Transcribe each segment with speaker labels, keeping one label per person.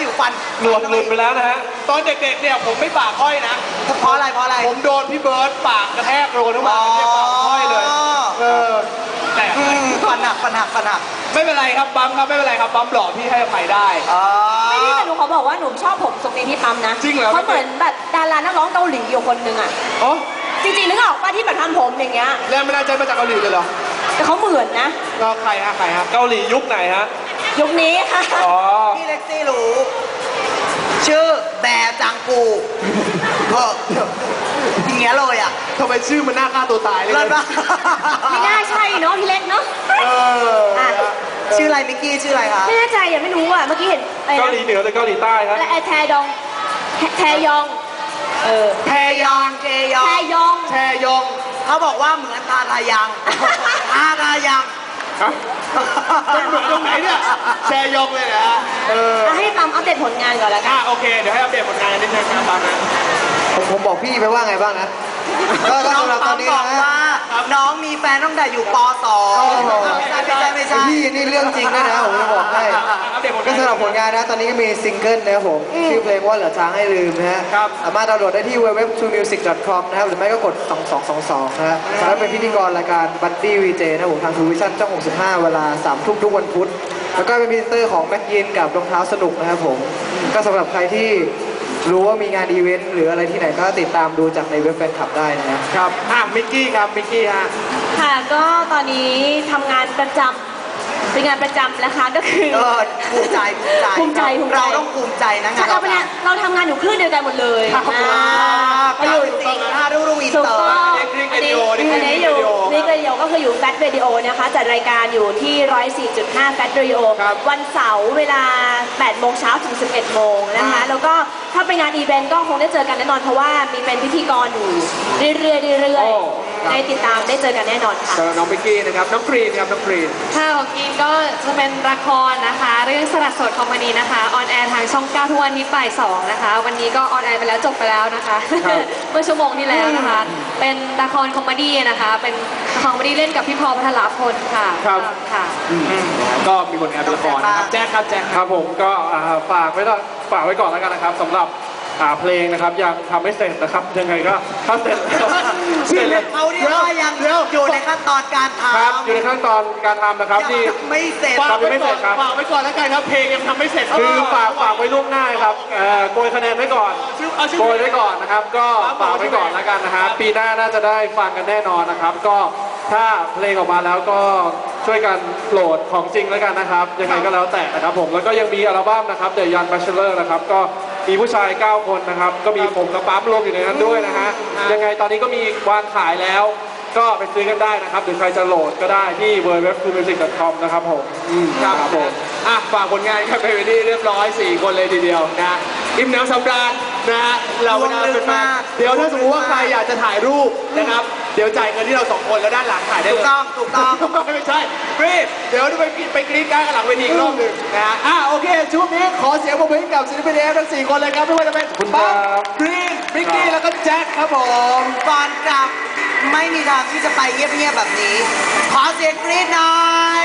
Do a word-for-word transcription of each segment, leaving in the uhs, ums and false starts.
Speaker 1: อยู่ฟัน
Speaker 2: หนวดหลุดไปแล้วนะฮะ
Speaker 3: ตอนเด็กๆเนี่ยผมไม่ปากห้อยนะ
Speaker 1: เพราะอะไรเพราะอะไร
Speaker 3: ผมโดนพี่เบิร์ดปากกระแทกโดนทั้งวันเนี่ยปากห้อยเลยเออแต่
Speaker 1: ฟันหักฟันหักฟันหัก
Speaker 3: ไม่เป็นไรครับปั๊มครับไม่เป็นไรครับปั๊มหล่อพี่ให้อภัยได้
Speaker 4: ไม่ได้แต่หนูเขาบอกว่าหนูชอบผมทรงนี้ที่ปั๊มนะ
Speaker 3: จริงเหรอ
Speaker 4: เขาเหมือนแบบดารานักร้องเกาหลีอยู่คนหนึ่งอ่ะ
Speaker 3: อ๋อ
Speaker 4: จริงๆนึกออกป่ะที่แบบทำผมอย่างเงี้ย
Speaker 3: แรงบันดาลใจมาจากเกาหลีเลยเหรอ
Speaker 4: แต่เขาเหมือนนะ
Speaker 3: ก็ใครฮะใครฮะ
Speaker 2: เกาหลียุคไหนฮะ
Speaker 4: ยุคนี้ค่ะ
Speaker 3: อ๋อ
Speaker 1: พี่เล็กซี่รู้ชื่อแบร์จังกูเอออย่างเงี้ยเลยอ่ะ
Speaker 3: ทำไมชื่อมันน่าฆ่าตัวตายเลย
Speaker 4: ไม่น่าใช่เนาะพี่เล็กเนาะ
Speaker 3: เออ
Speaker 1: ชื่ออะไรมิกกี้ชื่ออะไรคะ
Speaker 4: ไม่แน่ใจยังไม่รู้อ่ะเมื่อกี้เห็น
Speaker 2: เกาหลีเหนือหรือเกาหลีใต้ครับ
Speaker 4: อะไรแทดองแทยองเออ
Speaker 1: แทยองแทยอง
Speaker 4: แทยอง
Speaker 3: แทยอง
Speaker 1: เขาบอกว่าเหมือนทาทายังทาทายัง
Speaker 3: มันเหมือนตรงไหนเนี่ยแชยองเลยนะฮะเออ
Speaker 4: ให้ปั๊มอัปเดตผลงานก่อนแล้วกัน
Speaker 3: อ่ะโอเคเดี๋ยวให้อัปเดตผลงานนิดนึงนะปั๊มนะ
Speaker 5: ผมผมบอกพี่ไปว่าไงบ้างนะ
Speaker 1: ก็สำหรับตอนนี้นะน้องมีแฟนตั้งแต่อยู่ป สอง ไม่ใช่ไม่ใช่ไม่ใช่
Speaker 5: พี่นี่เรื่องจริงนะนะผมจะบอกให้ก็สำหรับผลงานนะตอนนี้ก็มีซิงเกิลนะครับผมชื่อเพลงว่าเหลือช้างให้ลืมนะฮะสามารถดาวน์โหลดได้ที่ ดับเบิลยู ดับเบิลยู ดับเบิลยู ดอท ทรูมิวสิก ดอท คอม นะครับหรือไม่ก็กดสองสองสองสองนะฮะแล้วเป็นพิธีกรรายการบัดดี้วีเจนะผมทางทูวิชั่นช่องหกสิบห้าเวลาสามทุ่มทุกวันพุธแล้วก็เป็นพรีเซนเตอร์ของแม็กยินกับรองเท้าสนุกนะครับผมก็สำหรับใครที่รู้ว่ามีงานอีเวนต์หรืออะไรที่ไหนก็ติดตามดูจากในเว็บแฟนคลับได้นะครับ
Speaker 3: อ่ะมิกกี้ครับมิกกี้ฮะ
Speaker 4: ค่ะก็ตอนนี้ทำงานประจำเป็นงานประจำนะคะก็คือ
Speaker 1: เออภูมิใจ
Speaker 4: ภูมิใจภูมิใจ
Speaker 1: เราต้องภูมิใจนะงาน
Speaker 4: เราเป็นเราทำงานอยู่คลื่นเดียวกันหมดเลย
Speaker 1: ไปอยู่สิงห์ห้าดูรูอินเตอร์
Speaker 4: อันนี้อันนี้อยู่นี่ก็เดียวก็คืออยู่แฟชเรดิโอนะคะจัดรายการอยู่ที่ร้อยสี่จุดห้าแฟชเรดิโอวันเสาร์เวลาแปดโมงเช้าถึงสิบเอ็ดโมงนะคะแล้วก็ถ้าเป็นงานอีเวนต์ก็คงได้เจอกันแน่นอนเพราะว่ามีเป็นพิธีกรอยู่เรื่อยๆเรื่อยๆได้ติดตามได้เจอกันแน่นอนค่ะ
Speaker 3: น้องมิกกี้นะครับน้องกรีนครับน้องกรีน
Speaker 6: ค่ะของกรีนก็จะเป็นละครนะคะเรื่องสลัดโสดคอมพานีนะคะออนแอร์ทางช่องเก้าทุกวันนี้บ่ายสองนะคะวันนี้ก็ออนแอร์ไปแล้วจบไปแล้วนะคะเมื่อชั่วโมงที่แล้วนะคะเป็นละครคอมเมดี้นะคะเป็นละครคอมเมดี้เล่นกับพี่พอพัทรพลค่ะ
Speaker 3: ครับ
Speaker 6: ค่ะ
Speaker 3: ก็มีผลงานละครนะครับแจ็คครับแจ็ค
Speaker 2: ครับผมก็ฝากไว้ฝากไว้ก่อนแล้วกันนะครับสำหรับเพลงนะครับยังทำไม่เสร็จนะครับยังไงก็ถ้าเสร็จ
Speaker 1: เสร็จเลยเขาเรียกว่ายังอยู่ในขั้นตอนการทำ
Speaker 2: ครับอยู่ในขั้นตอนการทำนะครับที่
Speaker 1: ไม่เสร็จ
Speaker 3: ฝากไว้ก่อนฝากไว้ก่อนแล้วกันครับเพลงยังทำไม่เสร็จ
Speaker 2: คือฝากฝากไว้ล่วงหน้าครับโกยคะแนนไว้ก่อนโกยไว้ก่อนนะครับก็ฝากไว้ก่อนแล้วกันนะครับปีหน้าน่าจะได้ฟังกันแน่นอนนะครับก็ถ้าเพลงออกมาแล้วก็ช่วยกันโหลดของจริงแล้วกันนะครับยังไงก็แล้วแต่นะครับผมแล้วก็ยังมีอัลบั้มนะครับ The Young Bachelor นะครับก็มีผู้ชายเก้าคนนะครับก็มีผมกับปั๊มรวมอยู่ในนั้นด้วยนะฮะยังไงตอนนี้ก็มีวางขายแล้วก็ไปซื้อกันได้นะครับหรือใครจะโหลดก็ได้ที่ ดับเบิลยู ดับเบิลยู ดับเบิลยู ดอท ทรูมิวสิก ดอท คอม นะครับผม
Speaker 3: ครับผมอ่ะฝากผลงานกันไปวันนี้เรียบร้อยสี่คนเลยทีเดียวนะอิ่มหนำสำราญนะฮะเราเวลาเป็นมาเดี๋ยวถ้าสมมติว่าใครอยากจะถ่ายรูปนะครับเดี๋ยวจ่ายเงินที่เราสองคนแล้วด้านหลังถ่ายได้เลย
Speaker 1: ถูกต้องถูกต้อง
Speaker 3: ไม่ใช่กรี๊ดเดี๋ยวไปไปกรี๊ดกันหลังเวทีอีกรอบหนึ่งนะฮะอ่ะโอเคช่วงนี้ขอเสียงปรบมือให้กับศิลปินเอฟทั้งสี่คนเลยครับไม่ว่าจะเป็นปั๊มกรี๊ดมิกกี้แล้วก็แจ็คครับผม
Speaker 1: ก่อนกลับไม่มีทางที่จะไปเงียบๆแบบนี้ขอเสียงกรี๊ดหน่อย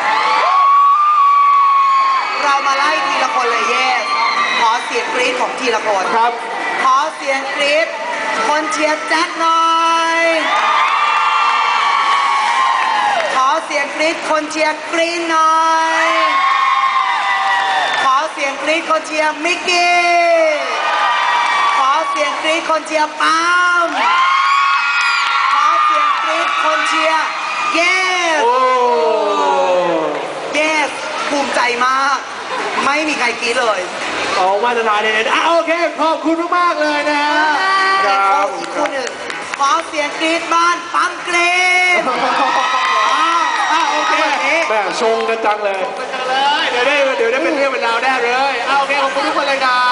Speaker 1: เรามาไล่ทีละคนเลยเยสขอเสียงกรี๊ดของทีละคน
Speaker 3: ครับ
Speaker 1: ขอเสียงกรี๊ดคนเชียร์แจ็คหน่อยขอเสียงกรี๊ดคนเชียร์กรีนหน่อยขอเสียงกรี๊ดคนเชียร์มิกกี้ขอเสียงกรี๊ดคนเชียร์ปั๊มขอเสียงกรี๊ดคนเชียร์เยสเยสภูมิใจมากไม่มีใครกรี๊ดเลย
Speaker 3: ออกมาตรฐานเลยอ่ะโอเคขอบคุณมากๆเลยนะฮะ
Speaker 1: ครับอีกคนหนึ่งขอเสียงกรี๊ดบ้านปั๊มกรี๊ด
Speaker 3: อ่ะโอเค
Speaker 2: แม่ชงกันจังเลย
Speaker 3: ชงกันจังเลยเดี๋ยวได้เดี๋ยวได้เป็นเรื่องเป็นราวแน่เลยอ่ะโอเคขอบคุณทุกคนเลยครับ